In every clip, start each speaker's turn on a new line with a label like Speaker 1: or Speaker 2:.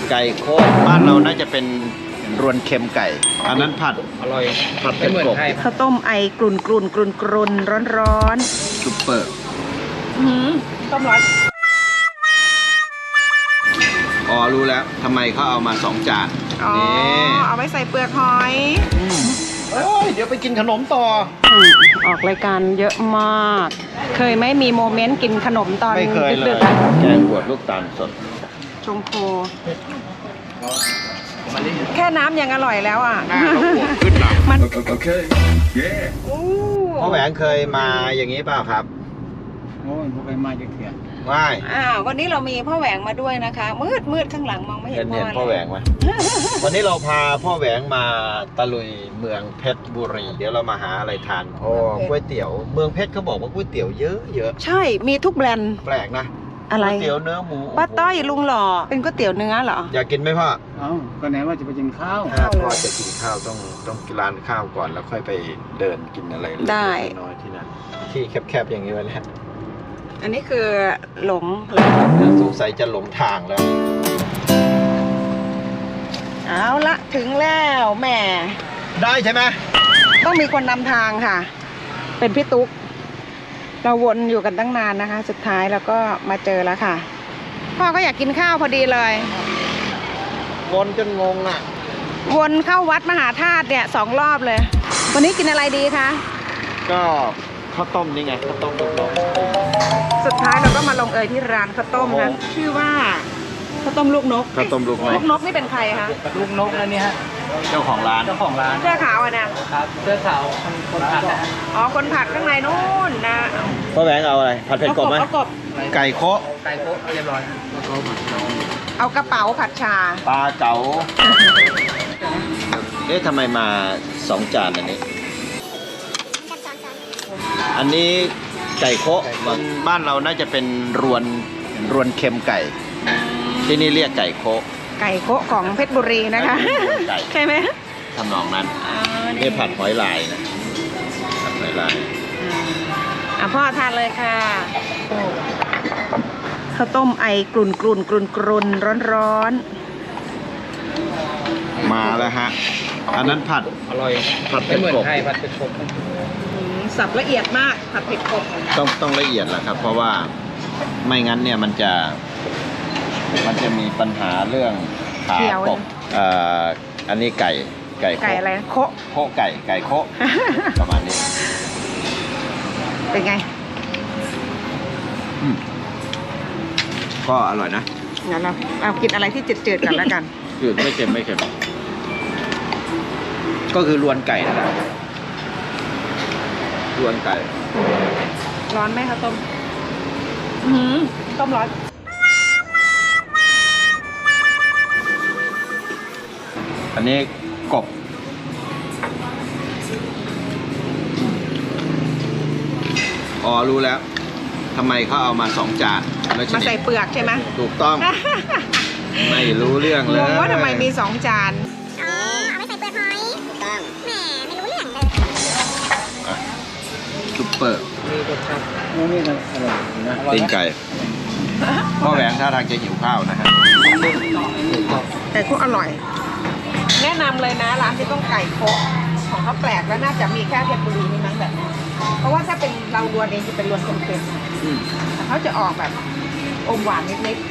Speaker 1: ไก่โคตรบ้านเราน่าจะเป็นรวนเค็มไก่อันนั้นผัดอร่อยผัดเป็นกบ
Speaker 2: ข้าวต้มไอกรุ่นร้อน
Speaker 1: ซุปเปอร์
Speaker 2: ต้มร้อน
Speaker 1: อ๋อรู้แล้วทำไมเขาเอามา2 จาน
Speaker 2: นี่เอาไว้ใส่เปลือกหอย
Speaker 1: เดี๋ยวไปกินขนมต่อ
Speaker 2: ออกรายการเยอะมากเคยไม่มีโมเมนต์กินขนมตอนดึก
Speaker 1: ๆแกงบวชลูกตาลสด
Speaker 2: ชงโคแค่น้ำยังอร่อยแล้วอ่ะ
Speaker 1: ขึ้นหนัก
Speaker 2: มัน
Speaker 1: พ่อแหวงเคยมาอย่างนี้เปล่าครับ
Speaker 3: โอ้ยพ่อไปมาจะเถียง
Speaker 1: ไม่
Speaker 2: วันนี้เรามีพ่อแหวงมาด้วยนะคะมืดข้างหลังมองไม่เห็น
Speaker 1: พ่อแหวงไหมวันนี้เราพาพ่อแหวงมาตะลุยเมืองเพชรบุรีเดี๋ยวเรามาหาอะไรทานก๋วยเตี๋ยวเมืองเพชรเขาบอกว่าก๋วยเตี๋ยวเยอะ
Speaker 2: ใช่มีทุกแบรนด์
Speaker 1: แปลกนะ
Speaker 2: อะไร
Speaker 1: ก๋วยเตี๋ยวเนื้อหมู
Speaker 2: ป้าต้อยลุงหล่อเป็นก๋วยเตี๋ยวเนื้อเหรอ
Speaker 1: อยากกินไหมพ่อ
Speaker 3: ก็ไหนว่าจะไปกินข้าว
Speaker 1: พ่อจะกินข้าวต้องกินร้านข้าวก่อนแล้วค่อยไปเดินกินอะไร
Speaker 2: ได้
Speaker 1: น้อยที่นั่นที่แคบๆอย่างนี้วะเนี่ย
Speaker 2: อันนี้คือหลง
Speaker 1: สงสัยจะหลงทางแล้ว
Speaker 2: เอาละถึงแล้วแม่
Speaker 1: ได้ใช่ไหม
Speaker 2: ต้องมีคนนำทางค่ะเป็นพี่ตุ๊กเราวนอยู่กันตั้งนานนะคะสุดท้ายเราก็มาเจอแล้วค่ะพ่อก็อยากกินข้าวพอดีเลย
Speaker 1: วนจนงงอ่ะ
Speaker 2: วนเข้าวัดมหาธาตุเนี่ย2 รอบเลยวันนี้กินอะไรดีคะ
Speaker 1: ก็ข้าวต้มนี่ไงข้าวต้ม
Speaker 2: สุดท้ายเราก็มาลงเอยที่ร้านข้าวต้มนะชื่อว่าข้าวต้มลูกนก
Speaker 1: ข้าวต้มลูกน
Speaker 2: กนี่เป็นใครคะ
Speaker 3: ลูกนกแล้วนี่ฮะ
Speaker 1: เจ้าของร้าน
Speaker 2: เสื้อขาวอ่ะนะครับ
Speaker 3: เสื้อขาวคนผัดนะ
Speaker 2: อ๋อคนผัดข้างในนู่นนะ
Speaker 1: พ่อแหวงเอาอะไรผัดเผ็ดกบไหมไก่โค
Speaker 3: เรียบร้อย
Speaker 2: เอากระเป๋าผัดชา
Speaker 1: ปลาเก๋าทำไมมา2 จานอันนี้ไก่โคะบ้านเราน่าจะเป็นรวนเค็มไก่ที่นี่เรียกไก่โคะ
Speaker 2: ของเพชรบุรีนะคะใช่ไหม
Speaker 1: ทำนองนั้นนี่ผัดหอยลายนะผัดหอยลาย
Speaker 2: พ่อทานเลยค่ะข้าวต้มไอกรุ่นร้อน
Speaker 1: มาแล้วฮะอันนั้นผัด
Speaker 3: อร่อย
Speaker 1: ผัดเป็นกบ
Speaker 3: ผัดเป็นกบ
Speaker 2: สับละเอียดมากผัดเผ็ดกบ
Speaker 1: ต้องละเอียดแหละครับเพราะว่าไม่งั้นเนี่ยมันจะมีปัญหาเรื่องขากบอันนี้ไก่
Speaker 2: อะไรโค
Speaker 1: ไก่โคประมาณนี้
Speaker 2: เป็นไง
Speaker 1: ก็อร่อยนะ
Speaker 2: งั้นเรากินอะไรที่จืดๆกันแล้วกัน
Speaker 1: จืดไม่เค็มก็คือรวนไก่นั่นแหละรวนไก่
Speaker 2: ร้อนไหมคะต้มต้มร้อน
Speaker 1: อันนี้กบอ๋อรู้แล้วทำไมเขาเอามา2 จาน
Speaker 2: มาใส่เปลือกใช่ไหม
Speaker 1: ถูกต้องไม่รู้เรื่องเลย
Speaker 2: งงว่าทำไมมี2 จาน
Speaker 4: เอาไว้ใส่เปลือกหอยถูกต้องแหมไม่รู้เรื่องเลย
Speaker 1: ซุปเปอร์
Speaker 3: มีรสชาตินี่ก็อร่อยนะ
Speaker 1: ตีนไก่พ่อแหวงท่าทางจะหิวข้าวนะฮะ
Speaker 2: ไก่โคอร่อยแนะนำเลยนะร้านที่ต้องไก่โคของเขาแปลกแล้วน่าจะมีแค่เพชรบุรีนี่มั้งแบบเพราะว่าถ้าเป็นเรารวนเองจะเป็นรวนเค็มๆเขาจะออกแบบอมหวานนิด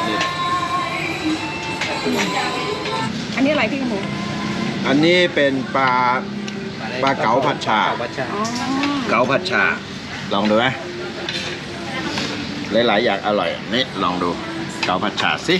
Speaker 2: อันนี้อะไรพี่หมู
Speaker 1: อันนี้เป็นปลาเก๋าผัดชาเก๋าผัดชาลองดูไหมหลายๆอย่างอร่อยนี่ลองดูเก๋าผัดชาสิ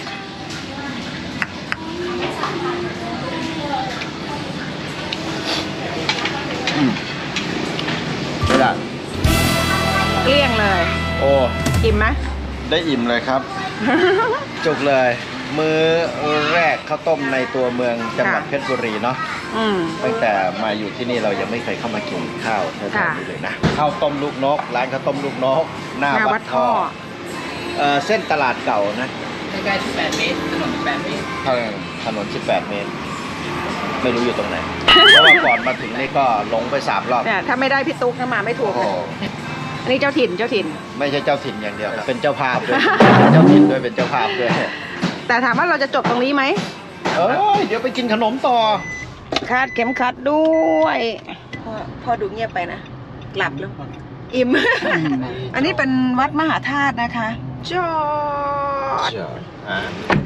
Speaker 1: ไม่ได้
Speaker 2: เกลี้ยงเลย
Speaker 1: โอ้
Speaker 2: อิ่มไหม
Speaker 1: ได้อิ่มเลยครับ จุกเลยมื้อแรกข้าวต้มในตัวเมืองจังหวัดเพชรบุรีเนาะตั้งแต่มาอยู่ที่นี่เรายังไม่เคยเข้ามากินข้าวแถวนี้เลยนะข้าวต้มลูกนกร้านข้าวต้มลูกนกหน้าวัดท่อเส้นตลาดเก่านะ
Speaker 3: ใกล้ๆ18 เมตรถนน18 เมตร
Speaker 1: ถนน18 เมตรไม่รู้อยู่ตรงไหนเพราะว่าก่อนมาถึงนี่ก็หลงไป3 รอบ
Speaker 2: ถ้าไม่ได้พี่ตุ๊กมาไม่ถูกอันนี้เจ้าถิ่น
Speaker 1: ไม่ใช่เจ้าถิ่นอย่างเดียวเป็นเจ้าภาพด้วยเป็นเจ้าถิ่นด้วยเป็นเจ้าภาพด้วย
Speaker 2: แต่ถามว่าเราจะจบตรงนี้ไหม
Speaker 1: เอ้ยเดี๋ยวไปกินขนมต่อ
Speaker 2: คาดเข็มขัดด้วยพอดูเงียบไปนะหลับแล้วอิ่ม อันนี้เป็นวัดมหาธาตุนะคะจอด
Speaker 1: อ่า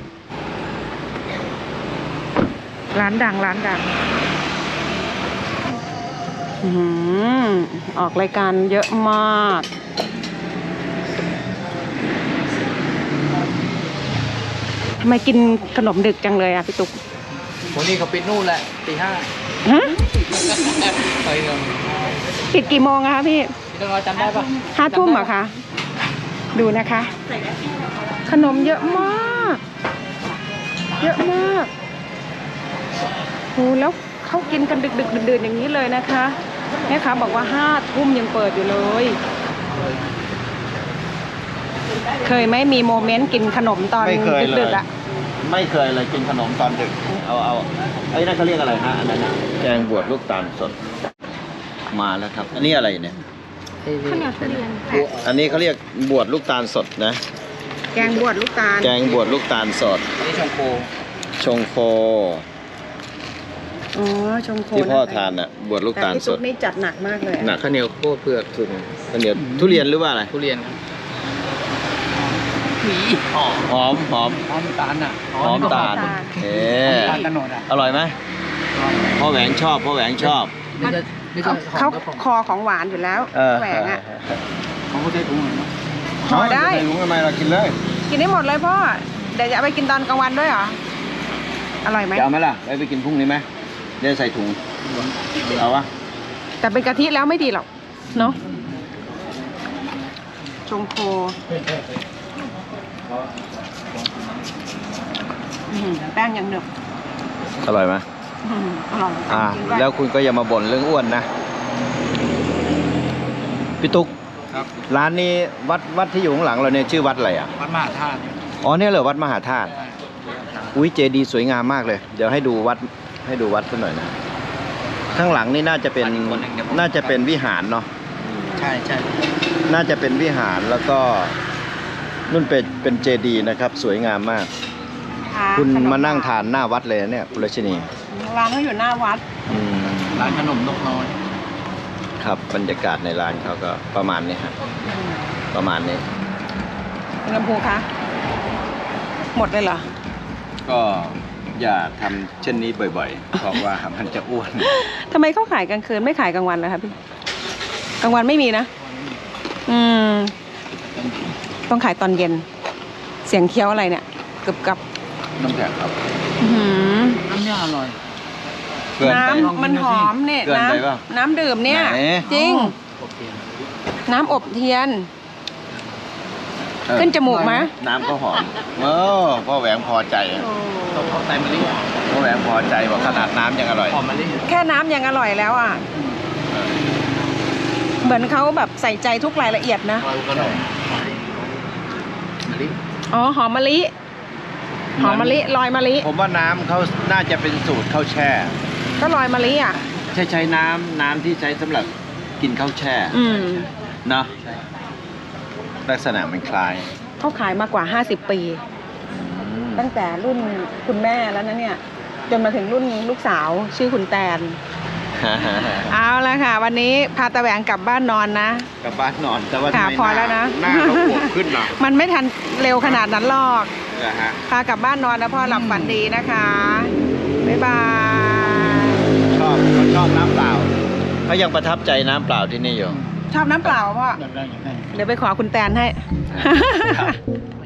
Speaker 2: ร้านดังอื้อหือออกรายการเยอะมากทำไมกินขนมดึกจังเลยอ่ะพี่ตุ๊ก
Speaker 3: วันนี้เขาปิดนู่นแหละตี 5
Speaker 2: ฮะ
Speaker 3: ไปเงิน
Speaker 2: ปิดกี่โมงอะคะพี่
Speaker 3: พี่ต้องรอจำได้ปะ
Speaker 2: 5 ทุ่มเหรอคะ ดูนะคะ ขนมเยอะมาก เยอะมากโหแล้วเขากินกันดึกๆดื่นๆอย่างนี้เลยนะคะแม่ค้าบอกว่า5 ทุ่มยังเปิดอยู่เลย เคยไหมมีโมเมนต์กินขนมตอน
Speaker 1: ไม่เคยเลย
Speaker 2: ดึกๆอะ
Speaker 1: ไม่เคยเลยกินขนมตอนดึก เอาไอ้นั่นเขาเรียกอะไรฮะอันนั้นน่ะแกงบวชลูกตาลสดมาแล้วครับ อันนี้อะไรเนี่ย
Speaker 2: ข้าวเหนียวทุเรียน
Speaker 1: อันนี้เขาเรียกบวชลูกตาลสดนะ
Speaker 2: แกงบวชลูกตาล
Speaker 1: แกงบวชลูกตาลสด
Speaker 3: อันนี้ชงโค
Speaker 1: ชงโค
Speaker 2: อ๋อชงโค
Speaker 1: ที่พ่อ
Speaker 2: นะคะ
Speaker 1: ทานอ่ะบวชลูก
Speaker 2: แต่
Speaker 1: ตาล
Speaker 2: พี่
Speaker 1: ส
Speaker 2: ตุ๊
Speaker 1: ด
Speaker 2: กนี่จัดหนักมากเลยอะ
Speaker 1: หนัก
Speaker 3: ข้าวเหนียวโคเผือกถุง
Speaker 1: ข้าวเหนียวทุเรียนหรือว่าอะไร
Speaker 3: ทุเรียนครับหมีหอม
Speaker 1: หอม
Speaker 3: หอมตาลอ่ะ
Speaker 1: หอมตาลเอ๊ะ
Speaker 3: ตาลตะโนดอ่ะ
Speaker 1: อร่อยไหมพ่อแหวงชอบพ่อแหวงชอบ
Speaker 3: นี่จะหอ
Speaker 2: เขา
Speaker 3: มกระป๋อง
Speaker 2: คอของหวานอยู่แล้วแหวงอะ
Speaker 3: ของเขาใช้ถุงเหมือนกัน
Speaker 2: ห่อได้
Speaker 1: ไม่รู้ทำไมเรากินเลย
Speaker 2: กินได้หมดเลยพ่อ เดี๋ยวจะเอาไปกินตอนกลางวันด้วยเหรอ อร่อยไหม
Speaker 1: จะเอาไหมล่ะไปกินพรุ่งนี้ไหมเดี๋ยวใส่ถุงเอาวะ
Speaker 2: แต่เป็นกะทิแล้วไม่ดีหรอก เนาะชงโคแป้งยังหนึบ
Speaker 1: อร่อยไหม
Speaker 2: อร่อยจริงด้วย
Speaker 1: แล้วคุณก็อย่ามาบ่นเรื่องอ้วนนะพี่ตุ๊ก
Speaker 3: ครับ
Speaker 1: ร้านนี้วัดที่อยู่ข้างหลังเราเนี่ยชื่อวัดอะไรอ่ะ
Speaker 3: วัดมหาธาตุ
Speaker 1: อ๋อเนี่ยเหรอวัดมหาธาตุอุ้ยเจดีย์สวยงามมากเลย เดี๋ยวให้ดูวัดสักหน่อยนะข้างหลังนี่น่าจะเป็นวิหารเนาะ
Speaker 3: ใช่
Speaker 1: น่าจะเป็นวิหารแล้วก็นุ่นเป็นเจดีย์นะครับ สวยงามมาก คุณมานั่งทานหน้าวัดเลยนะเนี่ยคุณรัชนี
Speaker 2: ร้านเขาอยู่หน้าวัด
Speaker 1: อืม
Speaker 3: ร้านขนมนกน้อย
Speaker 1: ครับบรรยากาศในร้านเขาก็ประมาณนี้ฮะประมาณนี้
Speaker 2: คุณลำพูคะ หมดเลยเหรอ
Speaker 1: ก็อย่าทำเช่นนี้บ่อยๆ เพราะว่ามันจะอ้วน
Speaker 2: ทำไมเขาขายกลางคืนไม่ขายกลางวันเลยคะพี่ กลางวันไม่มีนะ อืม ต้องขายตอนเย็น เสียงเคี้ยวอะไรเนี่ยกึบกับ
Speaker 1: น้ำแข็งครับ
Speaker 2: อื้อหือ
Speaker 3: น้ำเนี่ยอร่อย
Speaker 1: เกินไป
Speaker 2: น้ำมันหอมเนี่ย
Speaker 1: เกินไปเปล่า
Speaker 2: น้ำดื่มเนี่ย
Speaker 1: ไหน
Speaker 2: จริง
Speaker 3: โอเค
Speaker 2: น้ำอบเทียน ขึ้นจมูกไหม
Speaker 1: น้ำก็หอมพ่อแหวงพอใจ
Speaker 3: ต้องเอาไตมะลิ
Speaker 1: พ่อแหวงพอใจว่าขนาดน้ำยังอร่อย
Speaker 3: หอมมะลิ
Speaker 2: แค่น้ำยังอร่อยแล้วอ่ะ เหมือนเขาแบบใส่ใจทุกรายละเอียดนะ
Speaker 3: ลอยกระดองมะลิ
Speaker 2: อ๋อ หอมมะลิ หอมมะลิลอยมะลิ
Speaker 1: ผมว่าน้ำเขาน่าจะเป็นสูตรข้าวแช่
Speaker 2: ก็ลอยมะลิอ่ะ
Speaker 1: ใช้น้ำที่ใช้สำหรับกินข้าวแช่
Speaker 2: อืม
Speaker 1: เนาะลักษณะมันคล้าย
Speaker 2: เขาขายมากว่า 50 ปี ตั้งแต่รุ่นคุณแม่แล้วนะเนี่ย จนมาถึงรุ่นลูกสาวชื่อคุณแตน เอาละค่ะ วันนี้พาตะแหวงกลับบ้านนอนนะ
Speaker 1: กลับบ้านนอนแต่ว่า
Speaker 2: ค่ะ
Speaker 1: ทำไม
Speaker 2: พอแล้วนะ
Speaker 1: หน้าเราบวมขึ้นเนาะ
Speaker 2: มันไม่ทันเร็วขนาดนั้นหรอก
Speaker 1: นะฮะ
Speaker 2: พากลับบ้านนอนนะพ่อหลับฝันดีนะคะ บ๊ายบาย
Speaker 1: เขาชอบน้ำเปล่าเขายังประทับใจน้ำเปล่าที่นี่อยู่
Speaker 2: ชอบน้ำเปล่าพ่อ
Speaker 3: อยากได้
Speaker 2: เดี๋ยวไปขอคุณแตนให้
Speaker 1: ครับ